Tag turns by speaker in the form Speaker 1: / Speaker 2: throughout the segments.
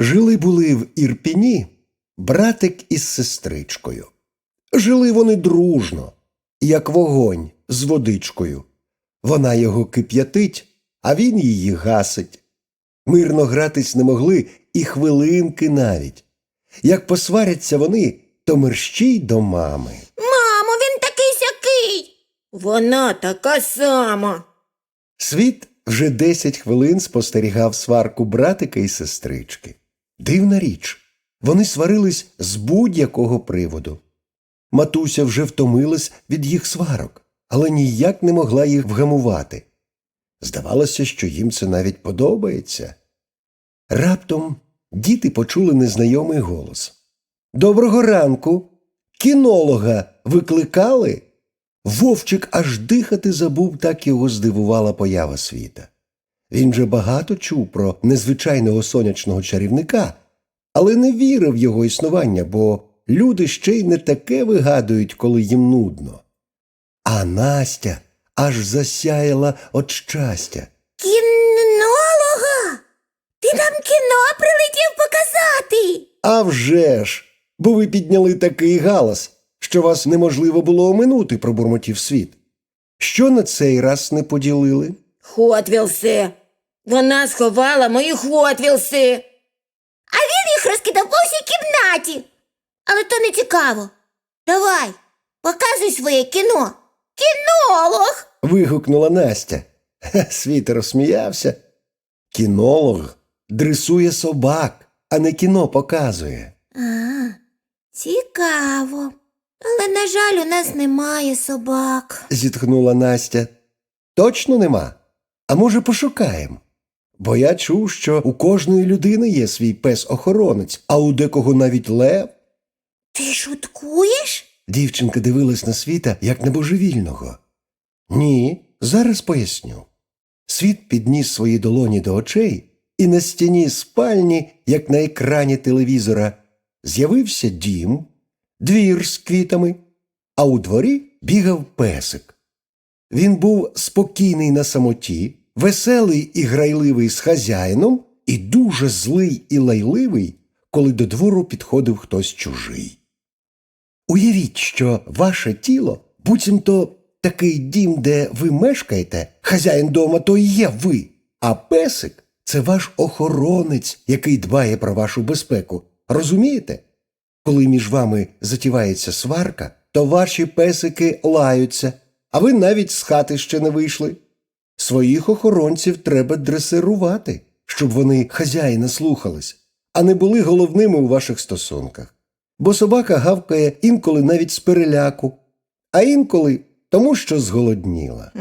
Speaker 1: Жили-були в Ірпіні братик із сестричкою. Жили вони дружно, як вогонь з водичкою. Вона його кип'ятить, а він її гасить. Мирно гратись не могли і хвилинки навіть. Як посваряться вони, то мерщій до мами.
Speaker 2: Мамо, він такий-сякий. Вона така сама.
Speaker 1: Світ вже 10 хвилин спостерігав сварку братика і сестрички. Дивна річ, вони сварились з будь-якого приводу. Матуся вже втомилась від їх сварок, але ніяк не могла їх вгамувати. Здавалося, що їм це навіть подобається. Раптом діти почули незнайомий голос. «Доброго ранку! Кінолога викликали?» Вовчик аж дихати забув, так його здивувала поява Світа. Він же багато чув про незвичайного сонячного чарівника, але не вірив в його існування, бо люди ще й не таке вигадують, коли їм нудно. А Настя аж засяяла від щастя.
Speaker 2: Кінолога? Ти нам кіно прилетів показати?
Speaker 1: «А вже ж! Бо ви підняли такий галас, що вас неможливо було оминути», – пробурмотів Світ. «Що на цей раз не поділили?»
Speaker 2: Хотвілси. Вона сховала мої хотвілси. А він їх розкидав по всій кімнаті. Але то не цікаво. Давай, показуй своє кіно. Кінолог!
Speaker 1: Вигукнула Настя. Світ розсміявся. Кінолог дресує собак, а не кіно показує.
Speaker 2: Цікаво. Але, на жаль, у нас немає собак.
Speaker 1: Зітхнула Настя. Точно нема? А може, пошукаємо? Бо я чув, що у кожної людини є свій пес-охоронець, а у декого навіть лев.
Speaker 2: Ти шуткуєш?
Speaker 1: Дівчинка дивилась на Світа, як на божевільного. Ні, зараз поясню. Світ підніс свої долоні до очей, і на стіні спальні, як на екрані телевізора, з'явився дім, двір з квітами, а у дворі бігав песик. Він був спокійний на самоті, веселий і грайливий з хазяїном і дуже злий і лайливий, коли до двору підходив хтось чужий. Уявіть, що ваше тіло, буцімто такий дім, де ви мешкаєте, хазяїн дома то і є ви, а песик – це ваш охоронець, який дбає про вашу безпеку. Розумієте? Коли між вами затівається сварка, то ваші песики лаються, а ви навіть з хати ще не вийшли. Своїх охоронців треба дресирувати, щоб вони хазяїна слухались, а не були головними у ваших стосунках. Бо собака гавкає інколи навіть з переляку, а інколи тому, що зголодніла.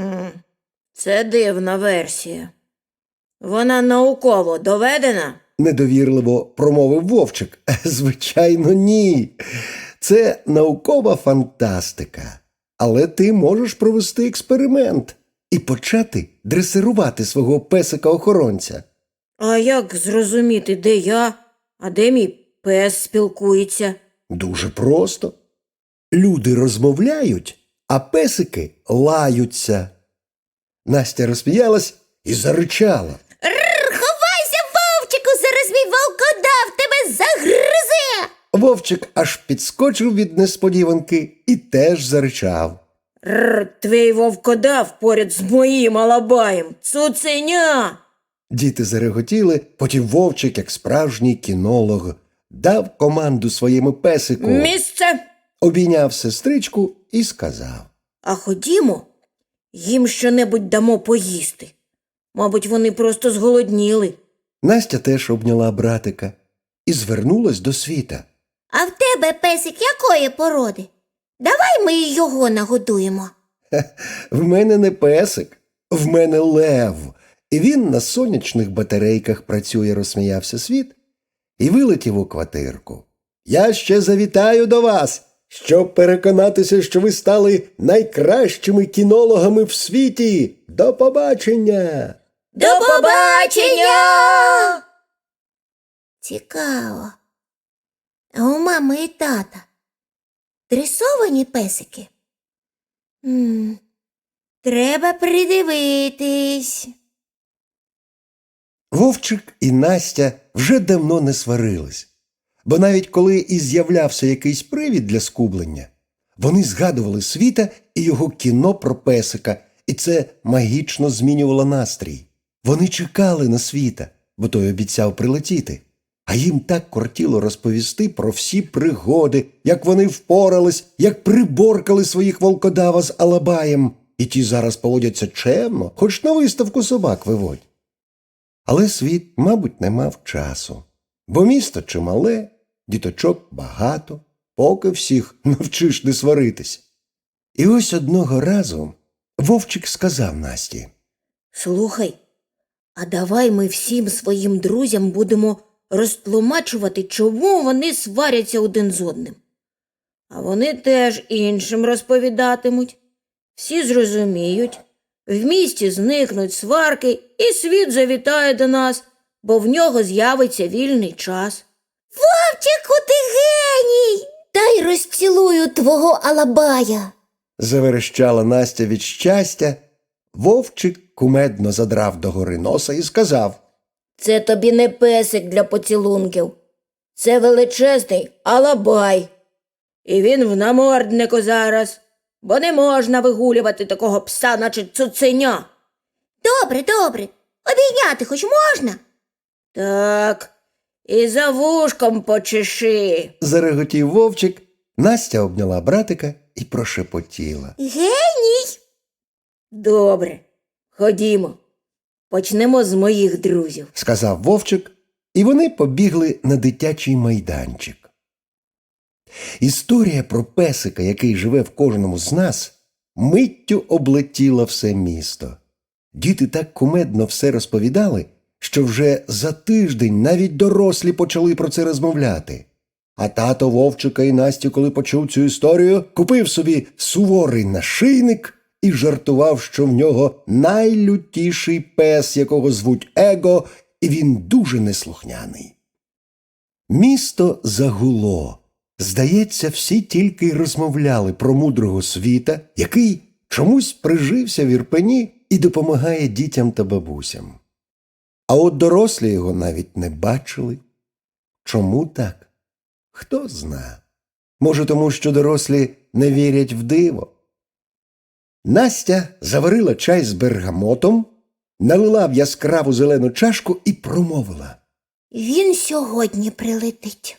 Speaker 2: Це дивна версія. Вона науково доведена?
Speaker 1: Недовірливо промовив Вовчик. Звичайно, ні. Це наукова фантастика. Але ти можеш провести експеримент і почати дресирувати свого песика-охоронця.
Speaker 2: А як зрозуміти, де я, а де мій пес спілкується?
Speaker 1: Дуже просто. Люди розмовляють, а песики лаються. Настя розсміялась і заричала.
Speaker 2: Ховайся, Вовчику, зараз мій волкодав тебе загризе!
Speaker 1: Вовчик аж підскочив від несподіванки і теж заричав.
Speaker 2: Твій вовкодав поряд з моїм алабаєм, цуценя!
Speaker 1: Діти зареготіли, потім Вовчик, як справжній кінолог, дав команду своєму песику.
Speaker 2: Місце!
Speaker 1: Обійняв сестричку і сказав.
Speaker 2: А ходімо, їм щонебудь дамо поїсти. Мабуть, вони просто зголодніли.
Speaker 1: Настя теж обняла братика і звернулась до Світа.
Speaker 2: А в тебе песик якої породи? Давай ми і його нагодуємо.
Speaker 1: В мене не песик, в мене лев. І він на сонячних батарейках працює, розсміявся Світ і вилетів у квартирку. Я ще завітаю до вас, щоб переконатися, що ви стали найкращими кінологами в світі. До побачення!
Speaker 2: До побачення! Цікаво. А у мами і тата дресовані песики? Треба придивитись.
Speaker 1: Вовчик і Настя вже давно не сварились, бо навіть коли і з'являвся якийсь привід для скублення, вони згадували Світа і його кіно про песика, і це магічно змінювало настрій. Вони чекали на Світа, бо той обіцяв прилетіти. А їм так кортіло розповісти про всі пригоди, як вони впорались, як приборкали своїх волкодава з Алабаєм, і ті зараз поводяться чемно, хоч на виставку собак виводь. Але Світ, мабуть, не мав часу, бо місто чимале, діточок багато, поки всіх навчиш не сваритись. І ось одного разу Вовчик сказав Насті:
Speaker 2: Слухай, а давай ми всім своїм друзям будемо розтлумачувати, чому вони сваряться один з одним. А вони теж іншим розповідатимуть. Всі зрозуміють, в місті зникнуть сварки, і Світ завітає до нас, бо в нього з'явиться вільний час. Вовчику, ти геній! Дай розцілую твого Алабая.
Speaker 1: Заверещала Настя від щастя. Вовчик кумедно задрав догори носа і сказав:
Speaker 2: Це тобі не песик для поцілунків. Це величезний Алабай. І він в наморднику зараз, бо не можна вигулювати такого пса, наче цуценя. Добре, добре. Обійняти хоч можна? Так, і за вушком почеши.
Speaker 1: Зареготів Вовчик. Настя обняла братика і прошепотіла:
Speaker 2: Геній! Добре, ходімо. Почнемо з моїх друзів.
Speaker 1: сказав Вовчик, і вони побігли на дитячий майданчик. Історія про песика, який живе в кожному з нас, миттю облетіла все місто. Діти так кумедно все розповідали, що вже за тиждень навіть дорослі почали про це розмовляти. А тато Вовчика і Насті, коли почув цю історію, купив собі суворий нашийник і жартував, що в нього найлютіший пес, якого звуть Его, і він дуже неслухняний. Місто загуло. Здається, всі тільки й розмовляли про мудрого Світа, який чомусь прижився в Ірпені і допомагає дітям та бабусям. А от дорослі його навіть не бачили. Чому так? Хто зна. Може, тому що дорослі не вірять в диво. Настя заварила чай з бергамотом, налила в яскраву зелену чашку і промовила:
Speaker 2: Він сьогодні прилетить.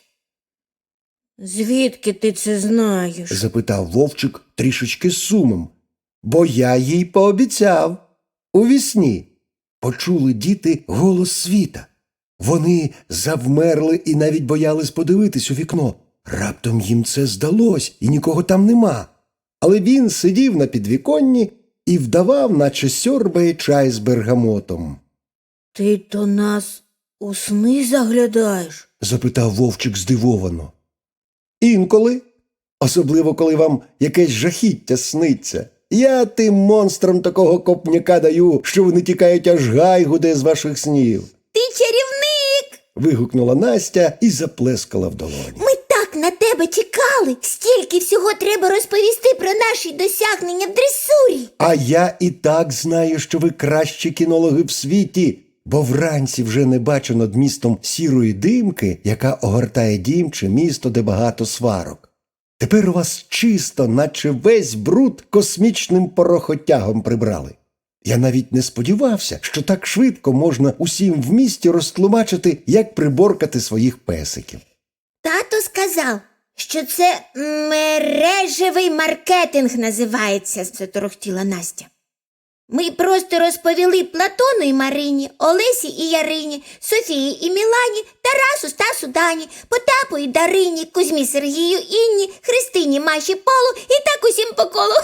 Speaker 2: Звідки ти це знаєш?
Speaker 1: запитав Вовчик трішечки з сумом. Бо я їй пообіцяв. Увісні почули діти голос Світа. Вони завмерли і навіть боялись подивитись у вікно. Раптом їм це здалось, і нікого там нема. Але він сидів на підвіконні і вдавав, наче сьорбає чай з бергамотом.
Speaker 2: Ти до нас у сни заглядаєш?
Speaker 1: Запитав Вовчик здивовано. Інколи, особливо коли вам якесь жахіття сниться. Я тим монстрам такого копняка даю, що вони тікають, аж гай гуде з ваших снів.
Speaker 2: Ти чарівник!
Speaker 1: Вигукнула Настя і заплескала в долоні.
Speaker 2: Ми так на тебе чекали. Стільки всього треба розповісти про наші досягнення в дресурі.
Speaker 1: А я і так знаю, що ви кращі кінологи в світі, бо вранці вже не бачу над містом сірої димки, яка огортає дім чи місто, де багато сварок. Тепер у вас чисто, наче весь бруд космічним порохотягом прибрали. Я навіть не сподівався, що так швидко можна усім в місті розтлумачити, як приборкати своїх песиків.
Speaker 2: Тато сказав, що це мережевий маркетинг називається, заторохтіла Настя. Ми просто розповіли Платону і Марині, Олесі і Ярині, Софії і Мілані, Тарасу, Стасу, Дані, Потапу і Дарині, Кузьмі, Сергію, Інні, Христині, Маші, Полу і так усім по колу.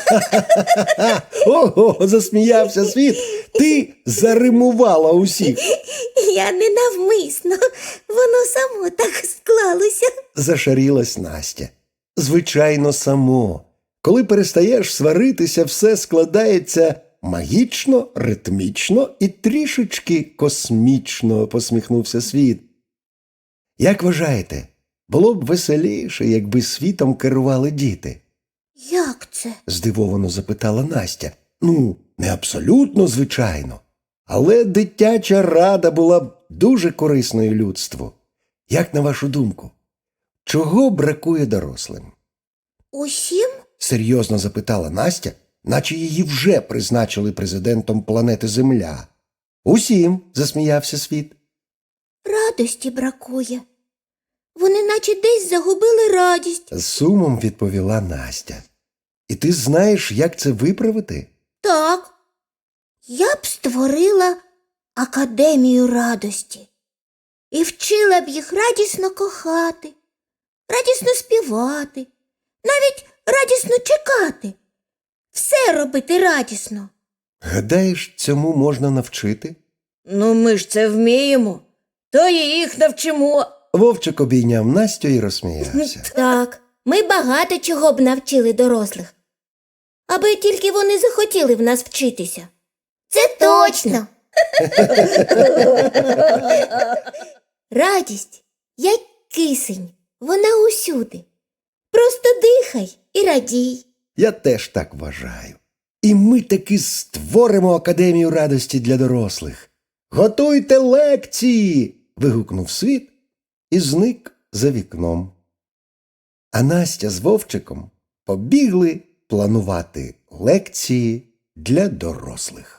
Speaker 1: Ого, засміявся Світ. Ти заримувала усіх.
Speaker 2: Я не навмисно, воно само так склалося.
Speaker 1: Зашарілась Настя. Звичайно, само. Коли перестаєш сваритися, все складається магічно, ритмічно і трішечки космічно, посміхнувся Світ. Як вважаєте, було б веселіше, якби світом керували діти?
Speaker 2: Як це?
Speaker 1: Здивовано запитала Настя. Ну, не абсолютно, звичайно. Але дитяча рада була б дуже корисною людству. Як на вашу думку, чого бракує дорослим?
Speaker 2: Усім?
Speaker 1: Серйозно запитала Настя, наче її вже призначили президентом планети Земля. Усім, засміявся Світ.
Speaker 2: Радості бракує. Вони наче десь загубили радість.
Speaker 1: З сумом відповіла Настя. І ти знаєш, як це виправити?
Speaker 2: Так, я б створила академію радості і вчила б їх радісно кохати, радісно співати, навіть радісно чекати. Все робити радісно.
Speaker 1: Гадаєш, цьому можна навчити?
Speaker 2: Ну, ми ж це вміємо, то і їх навчимо.
Speaker 1: Вовчик обійняв Настю і розсміявся.
Speaker 2: Так, ми багато чого б навчили дорослих, аби тільки вони захотіли в нас вчитися. Це точно. Радість, як кисень, вона усюди. Просто дихай і радій.
Speaker 1: Я теж так вважаю. І ми таки створимо Академію радості для дорослих. Готуйте лекції! Вигукнув Світ і зник за вікном. А Настя з Вовчиком побігли планувати лекції для дорослих.